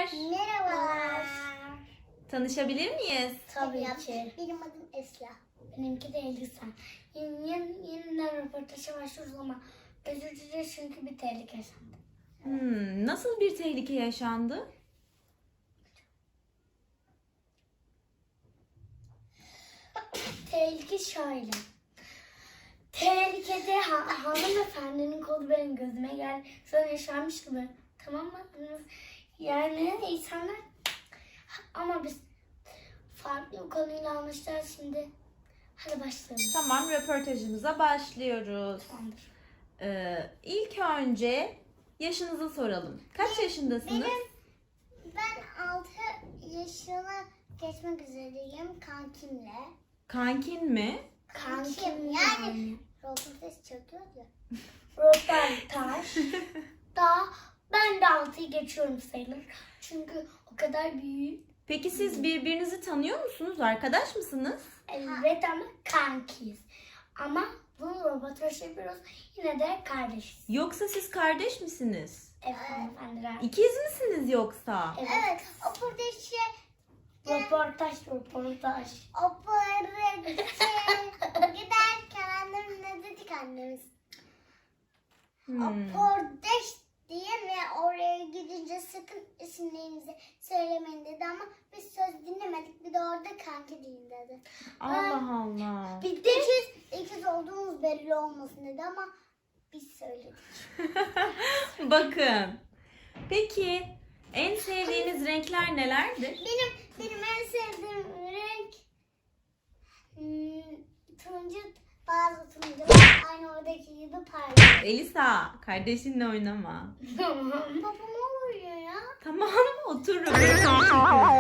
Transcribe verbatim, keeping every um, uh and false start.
Merhabalar. Merhabalar. Tanışabilir miyiz? Tabii ki. Benim adım Esra. Benimki de Elisa. Yeni, yeni, yeniden röportaja başlıyoruz ama özür dileriz çünkü bir tehlike yaşandı. Hmm, nasıl bir tehlike yaşandı? Tehlike şöyle. Tehlikede ha hanımefendinin kolu benim gözüme geldi. Sonra yaşanmış gibi. Tamam mı? Yani insanlar ama biz farklı bir konuyla anlaşacağız şimdi. Hadi başlayalım. Tamam, röportajımıza başlıyoruz. Tamamdır. Ee, ilk önce yaşınızı soralım. Kaç yaşındasınız? Benim, ben altı yaşına geçmek üzereyim kankimle. Kankin mi? Kankim yani. yani. Röportaj çekiyor ya. Röportaj. Daha ben de altıyı geçiyorum sayılır. Çünkü o kadar büyük. Peki siz birbirinizi tanıyor musunuz? Arkadaş mısınız? Evet ama kankiyiz. Ama bunu röportaj yapıyoruz. Yine de kardeşiz. Yoksa siz kardeş misiniz? Evet hanımefendiler. İkiz misiniz yoksa? Evet. Evet. O burada şey, Röportaj, röportaj. o burada şey, giderken annem ne dedik annemiz? Hmm. O pordeş diye ve oraya gidince sakın isimlerinizi söylemeyin dedi ama biz söz dinlemedik. Bir de orada kanki deyin dedi. Allah Allah. Bir de ikiz, ikiz olduğumuz belli olmasın dedi ama biz söyledik. Bakın. Peki en sevdiğiniz renkler nelerdir? Benim benim en sevdiğim renk hmm, turuncu, bazı turuncular aynı oradaki gibi parlıyor. Elisa, kardeşinle oynama. Tamam. Baba ne oluyor ya? Tamam, otur. Röportaj yapıyoruz.